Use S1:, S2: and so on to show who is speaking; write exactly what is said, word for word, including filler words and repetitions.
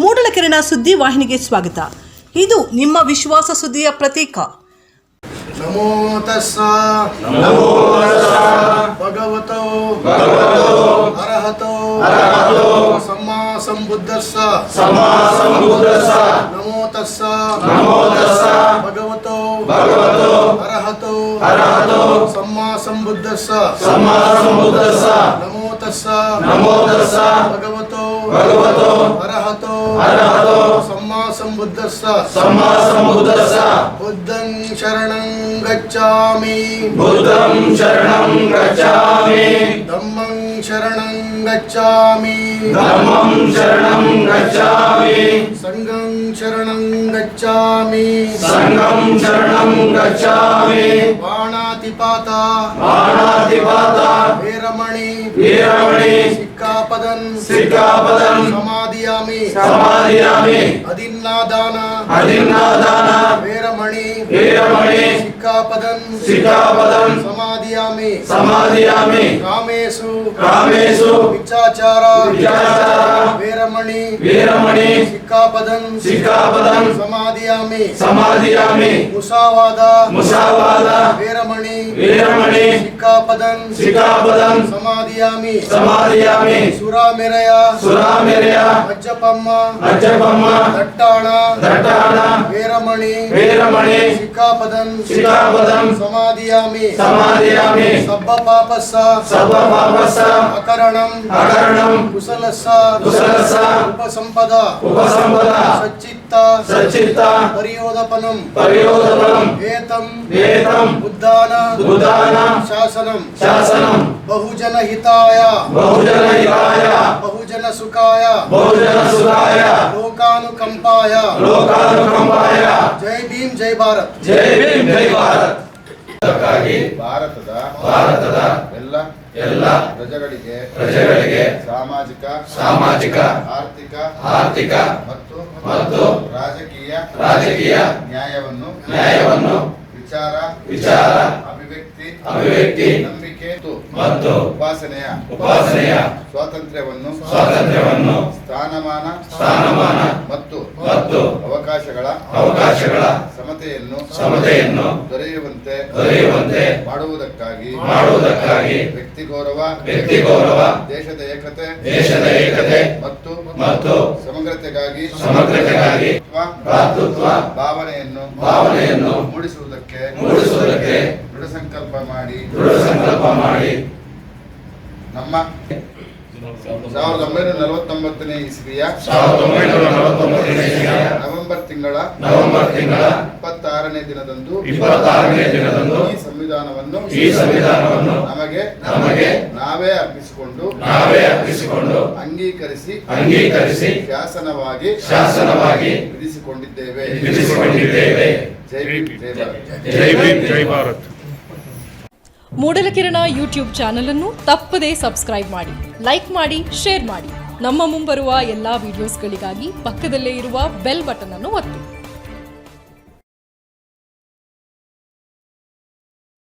S1: ಮೂಡಲಕೆರೆನ ಸುದ್ದಿ ವಾಹಿನಿಗೆ ಸ್ವಾಗತ. ಇದು ನಿಮ್ಮ ವಿಶ್ವಾಸ ಸುದ್ದಿಯ ಪ್ರತೀಕ.
S2: ನಮೋ ತಸ್ಸ ನಮೋ ಭಗವತೋ ಅರಹತೋ ಸಮ್ಮಾ ಸಂಬುದ್ಧಸ್ಸ ಸಮ್ಮಾ ಸಂಬುದ್ಧಸ್ಸ ನಮೋ ತಸ್ಸ ನಮೋ ತಸ್ಸ ಭಗವತೋ ಭಗವತೋ ಅರಹತೋ ಅರಹತೋ ಸಮ್ಮಾ ಸಂಬುದ್ಧಸ್ಸ ಸಮ್ಮಾ ಸಂಬುದ್ಧಸ್ಸ ನಮೋ ತಸ್ಸ ನಮೋ ತಸ್ಸ ಭಗವತೋ ಭಗವತೋ ಅರಹತೋ ಅರಹತೋ ಸಮ್ಮಾ ಸಂಬುದ್ಧಸ್ಸ ಸಮ್ಮಾ ಸಂಬುದ್ಧಸ್ಸ ಬುದ್ಧಂ ಶರಣಂ ಗಚ್ಚಾಮಿ ಬುದ್ಧಂ ಶರಣಂ ಗಚ್ಚಾಮಿ ಧಮ್ಮಂ ಶರಣಂ ಗಚ್ಚಾಮಿ ಧಮ್ಮಂ ಶರಣಂ ಗಚ್ಚಾಮಿ ಸಂಘಂ ಶರಣಂ ಗಚ್ಚಾಮಿ ಸಂಘಂ ಶರಣಂ ಗಚ್ಚಾಮಿ ಬಾಣಾತಿಪಾತ ಬಾಣಾತಿಪಾತ ವೀರಮಣಿ ವೀರಮಣಿ ಸಿಕ್ಕಾಪದನ್ ಸಿಕ್ಕಾಪದನ್ ಸಮಾಧಿಯಾಮಿ ಸಮಾಧಿಯಾಮಿ ಅದಿನ್ನಾದಾನ ಅದಿನ್ನಾದಾನ ವೀರಮಣಿ ವೀರಮಣಿ ಸಿಕ್ಕಾಪದನ್ ಸಿಕ್ಕಾಪದನ್ ಸಮಾಧಿಯಾಮಿ ಸಮಾಧಿಯಾಮಿ ಕಾಮೇಶು ಕಾಮೇಶು ವಿಚಾಚಾರ ವಿಚಾಚಾರ ವೀರಮಣಿ ವೀರಮಣಿ ಸಿಕ್ಕಾಪದನ್ ಸಿಕ್ಕಾಪದನ್ ಸಮಾಧಿಯಾಮಿ ಸಮಾಧಿಯಾಮಿ ಮುಸಾವಾದ ಮುಸಾವಾದ ವೀರಮಣಿ ವೀರಮಣಿ ಸಿಕ್ಕಾಪದನ್ ಸಿಕ್ಕಾಪದನ್ ಸಮಾಧಿಯಾಮಿ ಸಮಾಧಿಯಾಮಿ ಸುರಾಮೆರೆಯ ಸುರಾಮೆರೆಯ ಅಜ್ಜಪಮ್ಮ ಅಜ್ಜಪಮ್ಮ ದಟ್ಟಾಣ ದಟ್ಟಾಣ ವೀರಮಣಿ ವೀರಮಣಿ ಸಿಕ್ಕಾಪದನ್ ಸಿಕ್ಕಾಪದನ್ ಸಮಾಧಿಯಾಮಿ ಸಮಾಧಿಯಾಮಿ ಸಬ್ಬ ಪಾಪಸ್ಸ ಸಬ್ಬ ಪಾಪಸ್ಸ ಅಕರಣಂ ಅಕರಣಂ ಕುಶಲಸ್ಸ ಕುಶಲಸ್ಸ ಉಪಸಂಪದ ಉಪಸಂಪದ ಸಚ್ಚಿತ್ತ ಸಚ್ಚಿತ್ತ ಪರಿಯೋದಪನಂ ಪರಿಯೋದಪನಂ ಏತಂ ಏತಂ ಉದ್ದಾನ ಉದ್ದಾನ ಶಾಸನಂ ಶಾಸನಂ ಬಹುಜನ ಹಿತಾಯ ಬಹುಜನ ಹಿತಾಯ ಬಹುಜನ ಸುಖಾಯ ಬಹುಜನ ಸುಖಾಯ ಲೋಕಾನುಕಂಪಾಯ ಲೋಕಾನುಕಂಪಾಯ ಜೈ ಭೀಮ್ ಜೈ ಭಾರತ್ ಜೈ ಭೀಮ್ ಜೈ ಭಾರತ್.
S3: ಭಾರತದ
S2: ಭಾರತದ
S3: ಎಲ್ಲ
S2: ಎಲ್ಲ
S3: ಪ್ರಜೆಗಳಿಗೆ
S2: ಪ್ರಜೆಗಳಿಗೆ
S3: ಸಾಮಾಜಿಕ
S2: ಸಾಮಾಜಿಕ
S3: ಆರ್ಥಿಕ
S2: ಆರ್ಥಿಕ
S3: ಮತ್ತು
S2: ಮತ್ತು
S3: ರಾಜಕೀಯ
S2: ರಾಜಕೀಯ
S3: ನ್ಯಾಯವನ್ನು
S2: ನ್ಯಾಯವನ್ನು
S3: ವಿಚಾರ
S2: ವಿಚಾರ
S3: ಅಭಿವ್ಯಕ್ತಿ
S2: ಅಭಿವ್ಯಕ್ತಿ
S3: ನಂಬಿಕೆ
S2: ಮತ್ತು
S3: ಉಪಾಸನೆಯ
S2: ಉಪಾಸನೆಯ
S3: ಸ್ವಾತಂತ್ರ್ಯವನ್ನು
S2: ಸ್ವಾತಂತ್ರ್ಯವನ್ನು
S3: ಸ್ಥಾನಮಾನ
S2: ಸ್ಥಾನಮಾನ
S3: ಮತ್ತು
S2: ಮತ್ತು
S3: ಅವಕಾಶಗಳ
S2: ಅವಕಾಶಗಳ
S3: ಸಮತೆಯನ್ನು
S2: ಸಮತೆಯನ್ನು
S3: ದೊರೆಯುವಂತೆ
S2: ದೊರೆಯುವಂತೆ
S3: ಮಾಡುವುದಕ್ಕಾಗಿ
S2: ಮಾಡುವುದಕ್ಕಾಗಿ
S3: ವ್ಯಕ್ತಿ ಗೌರವ
S2: ವ್ಯಕ್ತಿ ಗೌರವ
S3: ದೇಶದ ಏಕತೆ
S2: ದೇಶದ ಏಕತೆ
S3: ಮತ್ತು
S2: ಮತ್ತು
S3: ಸಮಗ್ರತೆಗಾಗಿ
S2: ಸಮಗ್ರತೆಗಾಗಿ ಭ್ರಾತೃತ್ವ
S3: ಭಾವನೆಯನ್ನು
S2: ಭಾವನೆಯನ್ನು
S3: ಮೂಡಿಸುವುದಕ್ಕೆ
S2: ಮೂಡಿಸುವುದಕ್ಕೆ
S3: ದೃಢ ಸಂಕಲ್ಪ ಮಾಡಿ
S2: ದೃಢ ಸಂಕಲ್ಪ ಮಾಡಿ
S3: ನಮ್ಮ ಸಾವಿರದ ಒಂಬೈನೂರ ನಲವತ್ತೊಂಬತ್ತನೇ ಇಸ್ವಿಯ
S2: ಸಾವಿರದ ಒಂಬೈನೂರ ನಲವತ್ತೊಂಬತ್ತನೇ ಇಸ್ವಿಯ
S3: ನವೆಂಬರ್ ತಿಂಗಳ
S2: ನವೆಂಬರ್ ತಿಂಗಳ
S3: ಇಪ್ಪತ್ತಾರನೇ ದಿನದಂದು
S2: ಇಪ್ಪತ್ತಾರನೇ ದಿನದಂದು
S3: ಈ ಸಂವಿಧಾನವನ್ನು
S2: ಈ ಸಂವಿಧಾನವನ್ನು
S3: ನಮಗೆ
S2: ನಮಗೆ
S3: ನಾವೇ ಅರ್ಪಿಸಿಕೊಂಡು
S2: ನಾವೇ ಅರ್ಪಿಸಿಕೊಂಡು
S3: ಅಂಗೀಕರಿಸಿ
S2: ಅಂಗೀಕರಿಸಿ
S3: ಶಾಸನವಾಗಿ
S2: ಶಾಸನವಾಗಿ
S3: ವಿಧಿಸಿಕೊಂಡಿದ್ದೇವೆ
S2: ವಿಧಿಸಿಕೊಂಡಿದ್ದೇವೆ.
S3: ಜೈ ಭೀಮ್ ಜೈ ಭಾರತ್.
S4: ಜೈ ಭೀಮ್ ಜೈ ಭಾರತ್.
S5: ಮೂಡಲಕಿರಣ ಯೂಟ್ಯೂಬ್ ಚಾನಲ್ ಅನ್ನು ತಪ್ಪದೇ ಸಬ್ಸ್ಕ್ರೈಬ್ ಮಾಡಿ, ಲೈಕ್ ಮಾಡಿ, ಶೇರ್ ಮಾಡಿ. ನಮ್ಮ ಮುಂಬರುವ ಎಲ್ಲಾ ವಿಡಿಯೋಸ್ಗಳಿಗಾಗಿ ಪಕ್ಕದಲ್ಲೇ ಇರುವ ಬೆಲ್ ಬಟನ್ ಅನ್ನು ಒತ್ತಿ.